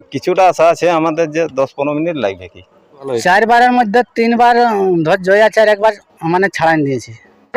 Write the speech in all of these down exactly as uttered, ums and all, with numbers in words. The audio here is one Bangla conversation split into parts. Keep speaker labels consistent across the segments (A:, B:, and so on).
A: কিছুটা আশা আছে আমাদের যে দশ পনেরো মিনিট লাগবে কি।
B: চারবারের মধ্যে তিনবার ধর জয়া চার একবার মানে ছাড়ান দিয়েছে।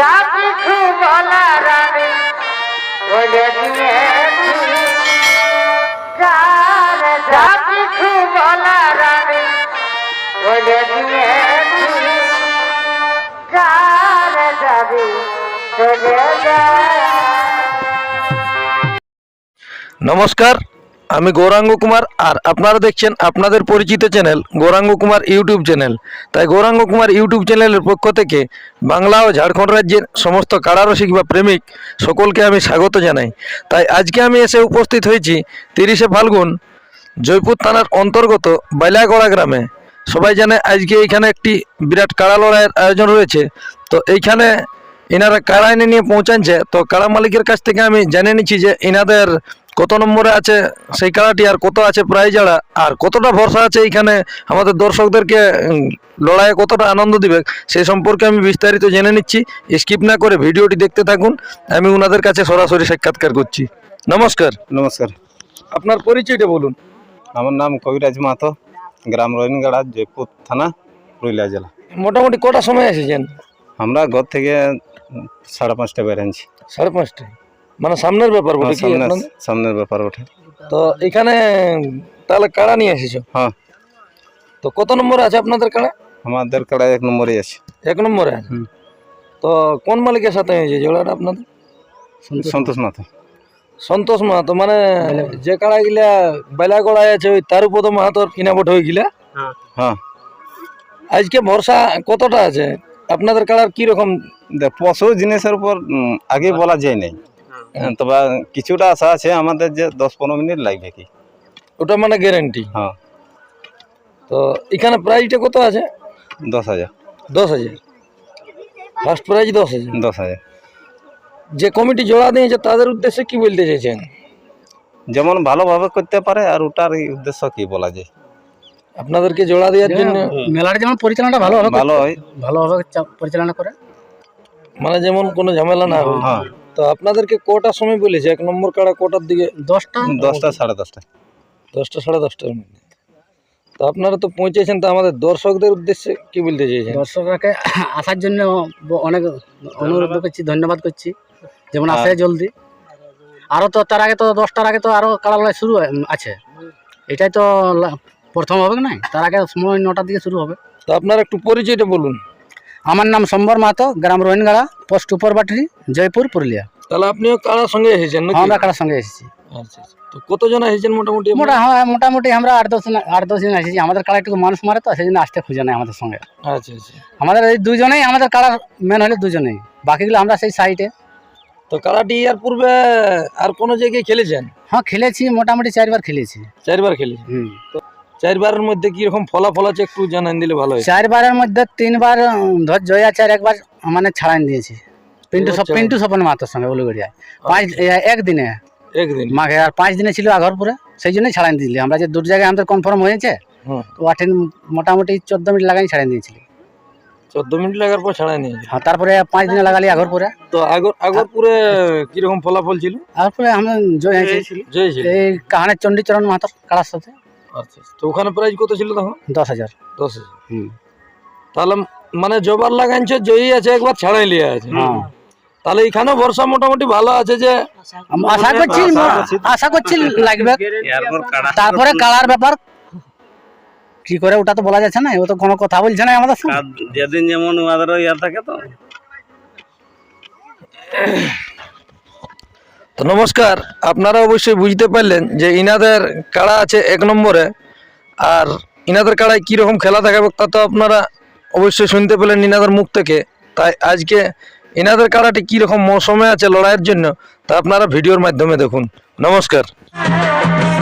C: নমস্কার, আমি গৌরাঙ্গ কুমার আর আপনারা দেখছেন আপনাদের পরিচিত channel Gouranga Kumar YouTube channel. তাই গৌরাঙ্গ কুমার ইউটিউব চ্যানেলের পক্ষ থেকে বাংলা ও ঝাড়খণ্ড রাজ্যের সমস্ত কারারসিক বা প্রেমিক সকলকে আমি স্বাগত জানাই। তাই আজকে আমি এসে উপস্থিত হয়েছি তিরিশে ফাল্গুন জয়পুর থানার অন্তর্গত বাইলাগড়া গ্রামে। সবাই জানে আজকে এইখানে একটি বিরাট কাড়া লড়াইয়ের আয়োজন রয়েছে। তো এইখানে এনারা কাড়া এনে নিয়ে পৌঁছাচ্ছে। তো কাড়া মালিকের কাছ থেকে আমি জেনে নিচ্ছি যে এনাদের কত নম্বরে আছে সেই কাড়াটি, আর কত আছে প্রাইজ আড়া, আর কতটা ভরসা আছে এইখানে আমাদের দর্শকদেরকে লড়াইয়ে কতটা আনন্দ দিবে সেই সম্পর্কে আমি বিস্তারিত জেনে নিচ্ছি। স্কিপ না করে ভিডিওটি দেখতে থাকুন। আমি ওনাদের কাছে সরাসরি সাক্ষাৎকার করছি। নমস্কার।
A: নমস্কার,
C: আপনার পরিচয়টা বলুন।
A: আমার নাম কবিরাজ মাহাতো, গ্রাম রহিনগাড়া, জয়পুর থানা, পুরুলিয়া জেলা।
C: মোটামুটি কটা সময় এসেছেন?
A: আমরা ঘর থেকে সাড়ে পাঁচটা বেরিয়েছি।
C: সাড়ে পাঁচটায়, মানে সামনের ব্যাপার বটে কি আপনাদের?
A: সামনের ব্যাপার ওঠে।
C: তো এখানে তাহলে কাড়া নিয়ে এসেছো?
A: হ্যাঁ।
C: তো কত নম্বরে আছে আপনাদের কাড়া?
A: আমাদের কাড়া এক নম্বরে আছে।
C: এক নম্বরে আছে। তো কোন মালিকের সাথে হয়েছে জোড়াটা আপনাদের?
A: সন্তোষ মাহাতো।
C: সন্তোষ মাহাতো, মানে যে কাড়া গিলা বেলাগড়ায় আছে ওই তার উপর মাহাতোর কিনাবট হয়ে গিলা।
A: হ্যাঁ।
C: আজকে ভরসা কতটা আছে আপনাদের কাড়ার? কিরকম
A: পশু জিনিসের উপর আগে বলা যায় নাই, তবে কিছুটা আশা আছে আমাদের যে দশ পনেরো মিনিট লাগবে কি।
C: ওটা মানে গ্যারেন্টি?
A: হ্যাঁ।
C: তো এখানে প্রাইজটা কত আছে?
A: দশ হাজার।
C: দশ হাজার ফার্স্ট প্রাইজ? দশ হাজার
A: দশ হাজার
C: যে কমিটি জোড়া দিয়েছে তাদের উদ্দেশ্যে কি বলতে চাইছেন?
A: যেমন ভালোভাবে করতে পারে, আর ওটার উদ্দেশ্য কি বলা যায়।
C: আপনাদেরকে জোড়া দেওয়ার জন্য
B: মেলার যেমন পরিচালনাটা ভালো হবে,
A: ভালো হয়,
B: ভালোভাবে পরিচালনা করে,
C: মানে যেমন কোনো ঝামেলা না হয়।
A: হ্যাঁ।
C: তো আপনাদেরকে কটার সময় বলেছে? এক নম্বর কাড়া কটার দিকে?
B: দশটা
A: দশটা সাড়ে দশটা
C: দশটা সাড়ে দশটার মধ্যে। তো আপনারা তো পৌঁছেছেন, তো আমাদের দর্শকদের উদ্দেশ্যে কি বলতে চাইছেন?
B: দর্শকরাকে আসার জন্য অনেক অনুরোধ করছি, ধন্যবাদ করছি, যেমন আসে জলদি। আরও তো তার আগে তো দশটার আগে তো আরও কাড়া লড়াই শুরু আছে, এটাই তো প্রথম হবে না, তার আগে সময় নটার দিকে শুরু হবে।
C: তো আপনার একটু পরিচয়টা বলুন।
B: আমার নাম সম্বর মাহাতো, গ্রাম রহিনগাড়া, পোস্ট উপরবাটি, জয়পুর, পুরুলিয়া।
C: তাহলে আপনিও কাড়ার সঙ্গে এসেছেন নাকি?
B: আমরা কাড়ার সঙ্গে এসেছি।
C: আচ্ছা, তো কতজন এসেছেন মোটামুটি?
B: মোটা হ্যাঁ মোটামুটি আমরা আট দশ আট দশ জন এসেছি। আমাদের কাড়া একটু মানুষ মারে, তো সেই জন্য আসতে খুঁজে নেই আমাদের সঙ্গে।
C: আচ্ছা আচ্ছা।
B: আমাদের এই দুজনেই, আমাদের কাড়ার মেন হলে দুজনেই, বাকিগুলো আমরা সেই সাইডে।
C: তো কাড়াটি আর পূর্বে আর কোনো জায়গায় খেলেছেন?
B: হ্যাঁ খেলেছি, মোটামুটি চারবার খেলেছি।
C: চারবার খেলেছি।
B: হুম।
C: তো চারবারের মধ্যে কিরকম ফলাফল আছে একটু জানান দিলে ভালো হয়।
B: চারবারের মধ্যে তিনবার ধর জয়া চার একবার মানে ছাড়ান দিয়েছি, পিন্টু সব পিন্টু স্বপন মাহাতোর সঙ্গে উলুগড়িয়ায়। পাঁচ একদিনে
C: একদিন
B: মাঘে, আর পাঁচ দিনে ছিল আগরপুরে, সেই জন্যই ছাড়ান দিয়েছিলি আমরা। যে দু জায়গায় আমাদের কনফার্ম হয়েছে, তো আঠেন মোটামুটি চোদ্দ মিনিট লাগাই ছাড়ান দিয়েছিলি।
C: চোদ্দ মিনিট লাগার পর ছাড়াই নিয়ে?
B: হ্যাঁ, তারপরে পাঁচ দিনে লাগালি আগরপুরে।
C: তো আগর আগরপুরে কিরকম ফলাফল ছিল?
B: আগরপুরে আমরা জয় হয়েছি,
C: জয় ছিল
B: এই কাহানের চণ্ডীচরণ মাহাতোর কাড়ার সাথে।
C: আচ্ছা, তো ওখানে প্রাইজ কত ছিল তখন?
B: দশ হাজার।
C: দশ হাজার।
B: হুম।
C: তাহলে মানে জবার লাগাইছে, জয়ী আছে, একবার ছাড়াই লিয়ে আছে।
B: হ্যাঁ,
C: তাহলে এখানেও ভরসা মোটামুটি ভালো আছে, যে
B: আশা করছি আশা করছি লাগবে। তারপরে কালার ব্যাপার কি করে ওটা তো বলা যাচ্ছে না, ও তো কোনো কথা বলছে না আমাদের সঙ্গে,
A: যেদিন যেমন ওদের ইয়ার থাকে। তো
C: তো নমস্কার, আপনারা অবশ্যই বুঝতে পারলেন যে ইনাদের কাড়া আছে এক নম্বরে, আর ইনাদের কাড়ায় কীরকম খেলা দেখাবে তা তো আপনারা অবশ্যই শুনতে পেলেন ইনাদের মুখ থেকে। তাই আজকে ইনাদের কাড়াটি কীরকম মৌসুমে আছে লড়াইয়ের জন্য তা আপনারা ভিডিওর মাধ্যমে দেখুন। নমস্কার।